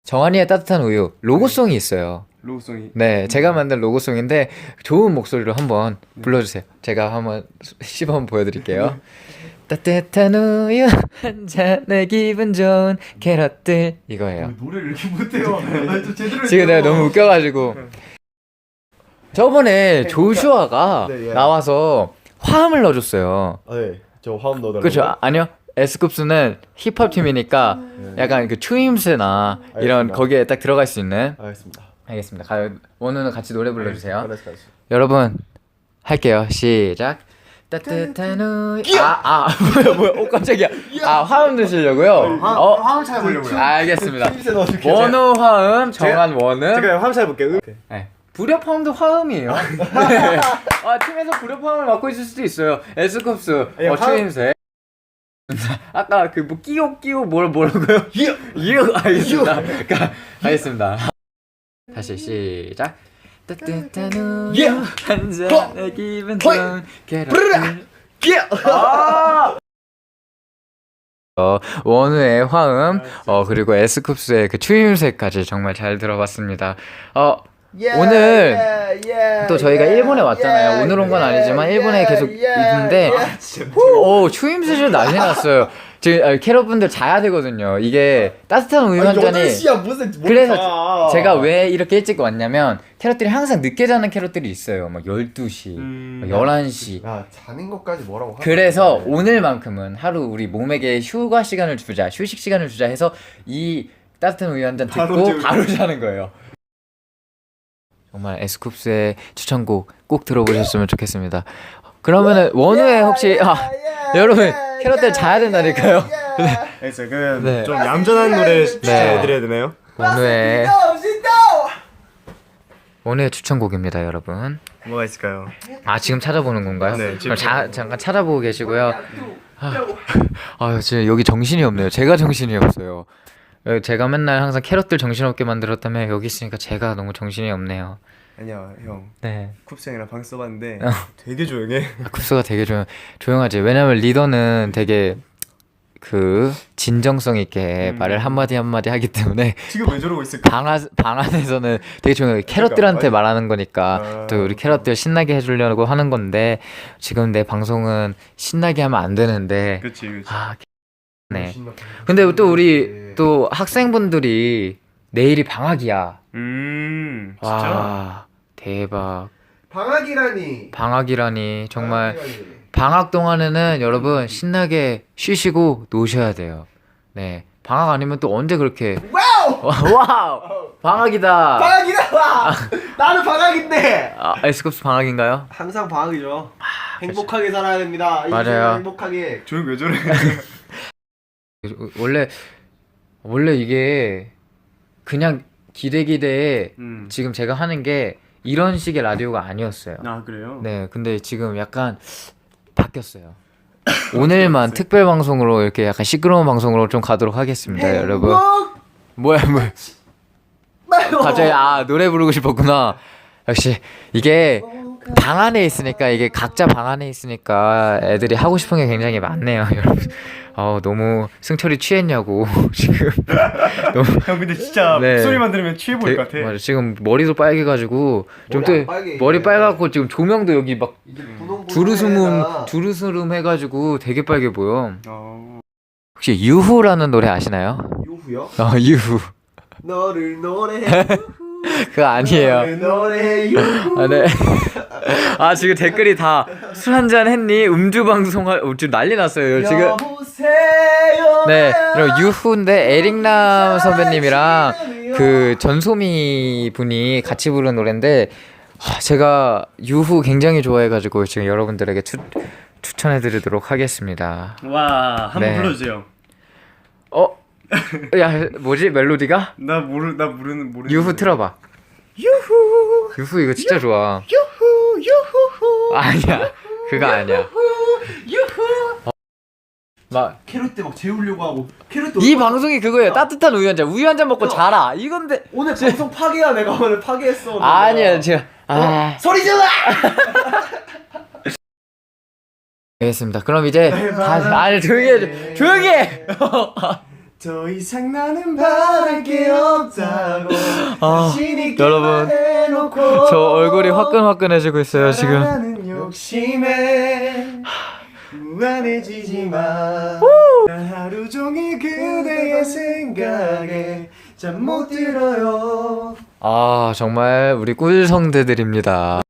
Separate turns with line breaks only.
정한이의 따뜻한 우유 로고송이 있어요.
로고송이.
네, 제가 만든 로고송인데 좋은 목소리로 한번 불러주세요. 제가 한번 시범 보여드릴게요. 따뜻한 우유 한 잔에 기분 좋은 캐럿들 이거예요.
노래를 이렇게 못해요. 좀 제대로
지금 내가 너무 웃겨가지고 저번에 조슈아가
네, 예.
나와서 화음을 넣어줬어요.
네, 저 화음 넣어달라고.
그렇죠? 아니요. 에스쿱스는 힙합 팀이니까 약간 그 추임새나 이런
알겠습니다.
거기에 딱 들어갈 수 있는.
알겠습니다.
알겠습니다. 원우는 같이 노래 불러주세요.
알았어.
여러분 할게요. 시작. 따뜻한 우유. 뭐야? 깜짝이야. 화음 드시려고요?
화음 잘 보려고요.
알겠습니다.
힘세 넣어줄게요.
원우 화음, 정한 원음.
제가 화음 잘 볼게요.
네. 불협화음도 화음이에요. 네. 팀에서 불협화음을 맡고 있을 수도 있어요. 에스쿱스, 추임새. 아까 그 뭐 끼요 뭐라고요? 끼요 알겠습니다. 알겠습니다. 다시 시작. 따뜻한 우유 한 잔에 기분 좋은 캐럿들. 원우의 화음, 그리고 에스쿱스의 그 추임새까지 정말 잘 들어봤습니다. 오늘 또 저희가 일본에 왔잖아요. 오늘 온 건 아니지만 일본에 계속 있는데 추임새를 난리 났어요. 지금 캐럿분들 자야 되거든요. 이게 따뜻한 우유 한 잔이
8시야 무슨
그래서 제가 왜 이렇게 일찍 왔냐면 캐럿들이 항상 늦게 자는 캐럿들이 있어요. 막 12시, 11시.
야, 자는 것까지 뭐라고 하냐.
그래서 오늘만큼은 하루 우리 몸에게 휴가 시간을 주자, 휴식 시간을 주자 해서 이 따뜻한 우유 한 잔 듣고 바로 자는 거예요. 정말 에스쿱스의 추천곡 꼭 들어보셨으면 좋겠습니다. 그러면은 원우의 혹시 여러분 캐럿들 자야 된다니까요.
그래서 그
네.
좀 얌전한 노래 추천해드려야 되나요?
원우의 추천곡입니다, 여러분.
뭐가 있을까요?
지금 찾아보는 건가요?
네,
그럼 잠깐 찾아보고 계시고요. 지금 여기 정신이 없네요. 제가 정신이 없어요. 제가 맨날 항상 캐럿들 정신없게 만들었다면 여기 있으니까 제가 너무 정신이 없네요.
아니야 형.
네.
쿱스 형이랑 방 써봤는데 되게 조용해.
쿱스가 되게 조용하지. 왜냐면 리더는 되게 그 진정성 있게 말을 한마디 한마디 하기 때문에
지금 왜 저러고 있을까?
방 안에서는 되게 조용해. 캐럿들한테 말하는 거니까 또 우리 캐럿들 신나게 해주려고 하는 건데 지금 내 방송은 신나게 하면 안 되는데
그치.
네. 근데 또 우리 또 학생분들이 내일이 방학이야.
진짜?
와 대박.
방학이라니
정말 방학 동안에는 여러분 신나게 쉬시고 노셔야 돼요. 네. 방학 아니면 또 언제 그렇게 와우 방학이다.
나는 방학인데.
에스쿱스 방학인가요?
항상 방학이죠. 행복하게 살아야 됩니다.
맞아요.
행복하게. 조용 왜 저래?
원래 이게 그냥 기대에 지금 제가 하는 게 이런 식의 라디오가 아니었어요.
그래요?
네, 근데 지금 약간 바뀌었어요. 오늘만 특별 방송으로 이렇게 약간 시끄러운 방송으로 좀 가도록 하겠습니다, 여러분. 뭐야? 갑자기 노래 부르고 싶었구나. 역시 이게 방 안에 있으니까 이게 각자 방 안에 있으니까 애들이 하고 싶은 게 굉장히 많네요, 여러분. 너무 승철이 취했냐고 지금. 너무
형 근데 진짜
네.
목소리만 들으면 취해 보일 것 같아.
맞아, 지금 머리도 빨개가지고 좀 또 머리 빨갛고 지금 조명도 여기 막 주르스름 해가지고 되게 빨개 보여. 혹시 유후라는 노래 아시나요?
유후요?
유후.
너를 노래해.
그거 아니에요.
노래해 유후.
네. 지금 댓글이 다 술 한잔 했니? 음주 방송할 지금 난리 났어요. 지금.
여보세요.
네. 그리고 유후인데 에릭남 선배님이랑 그 전소미 분이 같이 부른 노래인데 제가 유후 굉장히 좋아해가지고 지금 여러분들에게 추천해드리도록 하겠습니다.
와, 한번
네.
불러주세요.
야, 뭐지 멜로디가?
나 모르는.
유후 틀어봐. 유후 이거 진짜 좋아.
유후.
아니야, 그거 아니야. 막
캐럿 때 막 재우려고 하고.
이 방송이 그거예요. 따뜻한 우유 한 잔 먹고 자라. 이건데
오늘 방송 파괴야. 내가 오늘 파괴했어.
아니야, 제가
소리 질러.
알겠습니다. 그럼 이제 조용히 해.
더 이상 나는 바랄 게 없다고
아,
자신 있게
여러분,
말해놓고
저 얼굴이 화끈화끈해지고 있어요 지금.
사랑하는 욕심에 무한해지지만 난 하루 종일 그대의 생각에 잠 못 들어요.
아 정말 우리 꿀성대들입니다.